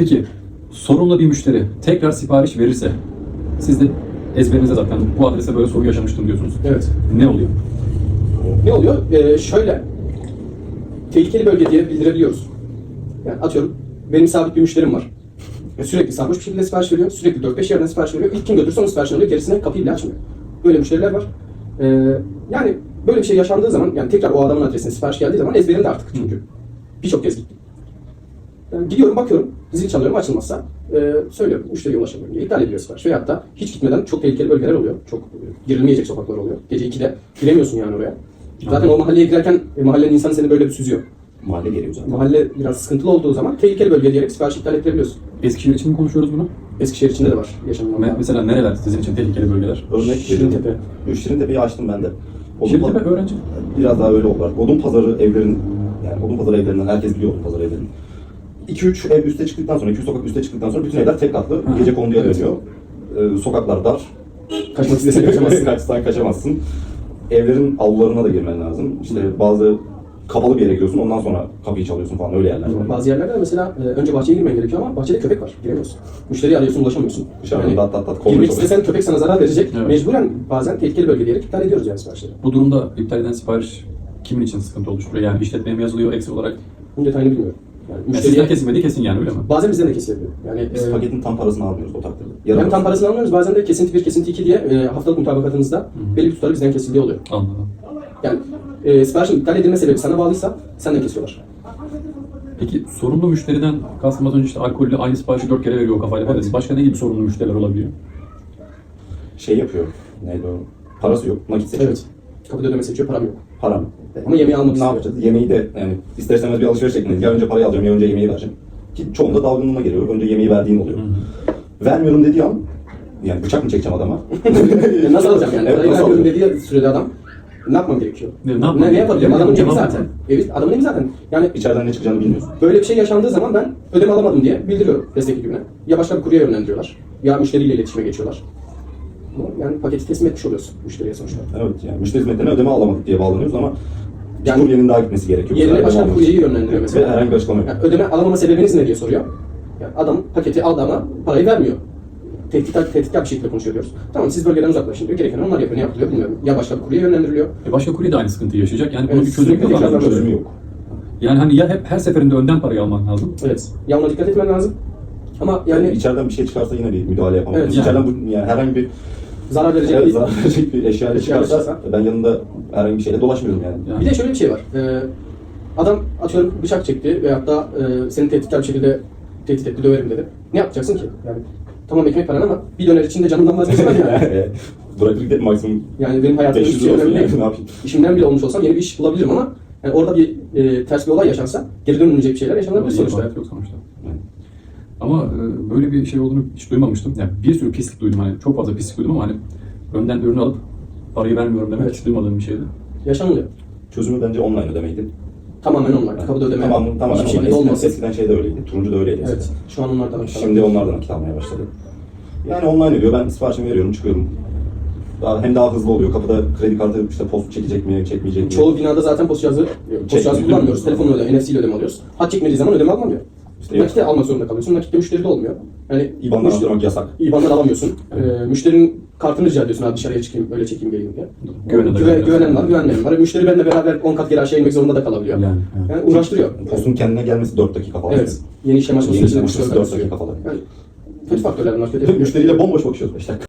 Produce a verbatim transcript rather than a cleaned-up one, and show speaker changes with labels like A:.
A: Peki sorunlu bir müşteri tekrar sipariş verirse siz de ezberinizde zaten bu adrese böyle sorun yaşamıştım diyorsunuz.
B: Evet.
A: Ne oluyor?
B: Ne oluyor? Ee, şöyle, tehlikeli bölge diye bildirebiliyoruz. Yani atıyorum, benim sabit bir müşterim var. Ve sürekli sarhoş bir şekilde sipariş veriyor. Sürekli dört beş yerden sipariş veriyor. İlk kim götürürse onun siparişini alıyor. Gerisine kapıyı bile açmıyor. Böyle müşteriler var. Ee, yani böyle bir şey yaşandığı zaman, yani tekrar o adamın adresine sipariş geldiği zaman ezberimde artık çünkü. Birçok kez gittim. Yani gidiyorum, bakıyorum, zil çalıyorum, açılmazsa e, söylüyorum, müşteriye ulaşamıyorum diye iptal ediyor sipariş. Veyahut da hiç gitmeden çok tehlikeli bölgeler oluyor. Çok e, girilmeyecek sokaklar oluyor. Gece ikide giremiyorsun yani oraya. Zaten o mahalleye girerken e, mahallenin insanı seni böyle bir süzüyor.
C: Mahalle geliyor zaten.
B: Mahalle biraz sıkıntılı olduğu zaman tehlikeli bölge diyerek sipariş iptal ettirebiliyorsun.
A: Eskişehir için mi konuşuyoruz bunu?
B: Eskişehir içinde de var yaşanılan.
A: Me- mesela nereler sizin için tehlikeli bölgeler?
C: Örnek
B: Şirintepe.
C: Şirintepe. Şirintepe'yi açtım ben de. Odun
A: Şirintepe
C: pa-
A: öğrenci.
C: Biraz daha öyle oldular. Odun pazarı evlerin, yani odun pazarı evlerinden herkes biliyor odun pazarı evlerini. iki üç ev üste çıktıktan sonra, iki üç sokak üste çıktıktan sonra bütün evler tek katlı.
A: Hı.
C: Gece konduya
B: Evet.
C: dönüyor. Ee, sokaklar dar.
B: Kaçmak istesen kaçamazsın.
C: Kaçsan kaçamazsın. Evlerin avlularına da girmen lazım. İşte bazı kapalı bir yere gidiyorsun, ondan sonra kapıyı çalıyorsun falan, öyle yerler var.
B: Bazı yerlerde mesela e, önce bahçeye girmen gerekiyor ama bahçede köpek var. Giremiyorsun. Müşteriyi arıyorsun, ulaşamıyorsun.
C: Dışarıdan dat dat dat kolluyor
B: girmek
C: çok.
B: istesen köpek sana zarar verecek.
A: Evet.
B: Mecburen bazen tehlikeli bölge diyerek iptal ediyoruz yani siparişleri.
A: Bu durumda iptal eden sipariş kimin için sıkıntı oluşturuyor? Yani işletmeye mi yazılıyor eksik olarak?
B: Bunun detayını bilmiyorum. Yani
A: Yani
B: müşteriye
A: sizden kesilmediği kesin yani öyle mi?
B: bazen bizden de kesilebiliyor. Yani
C: Biz
B: e,
C: paketin tam parasını almıyoruz o takdirde.
B: hem
C: Yarım
B: tam parasını almıyoruz, bazen de kesinti bir, kesinti iki diye e, haftalık mutabakatınızda belli bir tutarı bizden kesildiği oluyor.
A: Anladım.
B: Yani e, siparişin iptal edilme sebebi sana bağlıysa senden kesiyorlar.
A: Peki sorunlu müşteriden kastım az önce işte alkollü aynı siparişi dört kere veriyor o kafayla falan.
B: Evet.
A: Başka ne gibi sorunlu müşteriler olabiliyor?
C: şey yapıyor. Neydi o? Parası yok. Nakit seçiyor.
B: Evet. Kapıda ödeme seçiyor, param yok.
C: Param.
B: Ama yemeği almak
C: Ne
B: istiyor.
C: yapacağız? Yemeği de yani ister istemez bir alışveriş şeklinde. Ya önce parayı alacağım ya önce yemeği vereceğim. Ki çoğunda dalgınlığına geliyor. Önce yemeği verdiğin oluyor. Vermiyorum dediği an yani bıçak mı çekeceğim adama?
B: Ya nasıl alacağım yani?
C: Evet,
B: Parayı
C: nasıl
B: vermiyorum
C: alacağım?
B: dediği sürede adam ne yapmam gerekiyor?
A: Ne- ne
B: Ne,
A: yapmam
B: ne, yapabilirim?
A: gerekiyor?
B: Adamın evi
A: Cevap
B: zaten.
A: mı?
B: Evi, adamın evi zaten. Yani
C: İçeriden ne çıkacağını bilmiyorsun.
B: böyle bir şey yaşandığı zaman ben ödeme alamadım diye bildiriyorum destek ekibine. Ya başka bir kurye yönlendiriyorlar, ya müşteriyle iletişime geçiyorlar. Yani paketi teslim etmiş oluyorsun müşteriye sonuçta.
C: Evet yani müşteri hizmetlerine ödeme alamadık diye bağlanıyoruz ama bir
B: Yani-
C: kuryenin daha gitmesi gerekiyor.
B: Yerine
C: Ödeme
B: başka bir
C: almak
B: kuryeyi
C: için.
B: yönlendiriyor
C: Evet,
B: mesela.
C: ve herhangi bir açıklama yok.
B: Yani ödeme alamama sebebiniz ne diye soruyor. Yani adam paketi aldı ama parayı vermiyor. Tehdit, tehditkar bir şekilde konuşuyor diyoruz. Tamam siz bölgeden uzaklaşın diyor. Gereken onlar yapıyor. Ne yapılıyor bilmiyorum. Ya başka bir kurye yönlendiriliyor.
A: E başka kurye de aynı sıkıntıyı yaşayacak. Yani bunun
B: Evet,
A: bir çözümü
B: sürekli
A: yok.
B: tekrar
A: anladığım
C: Çözümü
A: kadarıyla.
C: yok.
A: Yani hani ya hep her seferinde önden parayı alman lazım.
B: Evet. Ya ona dikkat etmen lazım. Ama yani
C: Yani içeriden bir şey çıkarsa yine bir müdahale yapamam.
B: Evet,
C: İçeriden bu, yani herhangi bir
B: zarar verecek
C: evet,
B: bir...
C: zarar verecek bir eşya ile
B: Eşya
C: çıkarsa
B: çıkarsa.
C: ben yanında herhangi bir şeyle dolaşmıyorum yani.
A: Yani.
B: Bir de şöyle bir şey var. Ee, adam atıyorum bıçak çekti veyahut da e, seni tehditkar bir şekilde tehdit etti, döverim dedi. Ne yapacaksın ki? Yani tamam ekmek paran ama bir döner içinde canından vazgeçemem yani.
C: Bırakır gidelim maksimum
B: Yani benim hayatımda
C: beş
B: hiçbir
C: yüz
B: şey
C: lira olsun
B: önemli
C: yani
B: değil.
C: ne yapayım.
B: İşimden bile olmuş olsam yeni bir iş bulabilirim ama yani orada bir e, ters bir olay yaşansa geri dönülmeyecek bir şeyler yaşanabilir sonuçta.
A: Sonuçta. Yok sonuçta. Ama e, böyle bir şey olduğunu hiç duymamıştım. Yani bir sürü pislik duydum hani çok fazla pislik duydum ama hani önden ürünü alıp parayı vermiyorum demek
B: Evet.
A: hiç duymadığım bir şeydi.
B: Yaşanılıyor.
C: Çözümü bence online ödemeydi.
B: Tamamen online. Kapıda ödeme
C: Tamam, tamamen
B: hiçbir
C: online.
B: şekilde
C: Eskiden,
B: olmasın.
C: eskiden şey de öyleydi. Turuncu da öyleydi eskiden.
B: Evet. Şu an onlardan
C: Şimdi onlardan nakit almaya başladı. Yani online ödüyor. Ben siparişimi veriyorum, çıkıyorum. Daha, hem daha hızlı oluyor. Kapıda kredi kartı işte post çekecek mi, çekmeyecek mi?
B: Çoğu binada zaten post cihazı, post cihazı kullanmıyoruz. Telefonla ödeme, N F C ile ödeme alıyoruz. Hat çekmediği zaman ödeme almıyor.
C: İşte
B: Nakite almak zorunda kalıyorsun. Nakitte müşteri de olmuyor. Yani
C: İ B A N'dan aldırmak yasak.
B: İ B A N'dan alamıyorsun. Ee, müşterinin kartını rica ediyorsun abi dışarıya çıkayım, öyle çekeyim geleyim diye.
A: Güvenen de
B: Güve,
A: var.
B: güvenen var, güvenmeyen var. Müşteri benimle beraber on kat geri aşağı inmek zorunda da kalabiliyor.
A: Yani,
B: Yani,
A: evet.
B: uğraştırıyor.
C: Postun kendine gelmesi dört dakika falan.
B: Evet. Yeni işlem açması
C: Yeni
B: için
C: işlem
B: üç dört
C: açması dört
B: dakika
C: dakika
B: sürüyor.
C: falan.
B: Yani kötü faktörler bunlar. Kötü.
C: Müşteriyle bomboş bakışıyoruz beş dakika.